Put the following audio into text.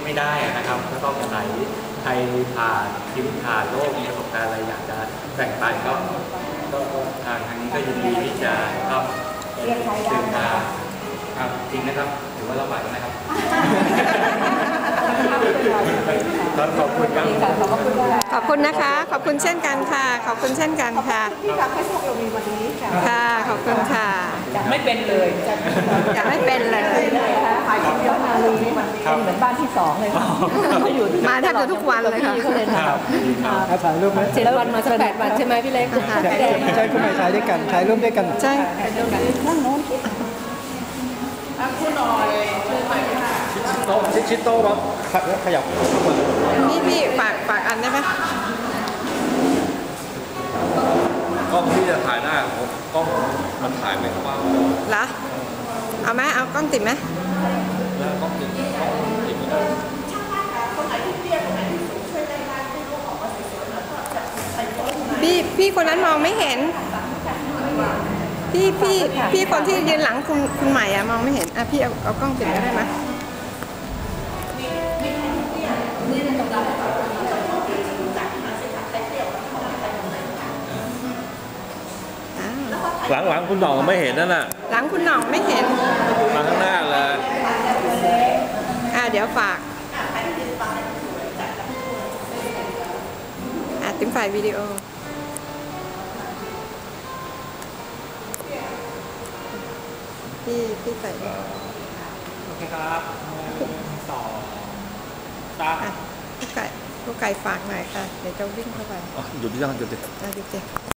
ไม่ได้นะครับก็ต้องไหนใครผ่านชีวิตผ่านโลกมีประสบการณ์อะไรอยากจะแบ่งปันก็ทางนี้ก็ยินดีที่จะครับดึงมาครับจริงนะครับถือว่าเราไหวนะครับขอบคุณครับขอบคุณนะคะขอบคุณเช่นกันค่ะขอบคุณเช่นกันค่ะที่ทำให้พวกเรามีวันนี้ค่ะขอบคุณค่ะไม่เป็นเลยอยากไม่เป็นเลยขายคนเดียวมาเลยเหมือนบ้านที่2เลยค่ะมาแทบจะทุกวันเลยค่ะถ่ายรูปไหม 7 วันมาสัก8 วันใช่ไหมพี่เล็กใช่คุณใหม่ถ่ายด้วยกันถ่ายรูปด้วยกันใช่ข้างโน้นคุณหน่อยชิดโต๊ะขยับนี่พี่ฝากอันได้ไหมกล้องที่จะถ่ายได้กล้องมันถ่ายไม่กว้างเหรอเอาไหมเอากล้องติดไหมแล้วกล้องติดพี่คนนั้นมองไม่เห็นพี่คนที่ยืนหลังคุณใหม่อะมองไม่เห็นอ่ะพี่เอากล้องติดก็ได้ไหมหลังคุณหน่องไม่เห็นนั่นน่ะหลังคุณหน่องไม่เห็นมาข้างหน้าเลยเดี๋ยวฝากติ้งไฟล์วิดีโอพี่ใส่โอเคครับ2 3 ผู้ไก่ฝากหน่อยค่ะเดี๋ยวจะวิ่งเข้าไปหยุดที่ยังหยุดดิหยุด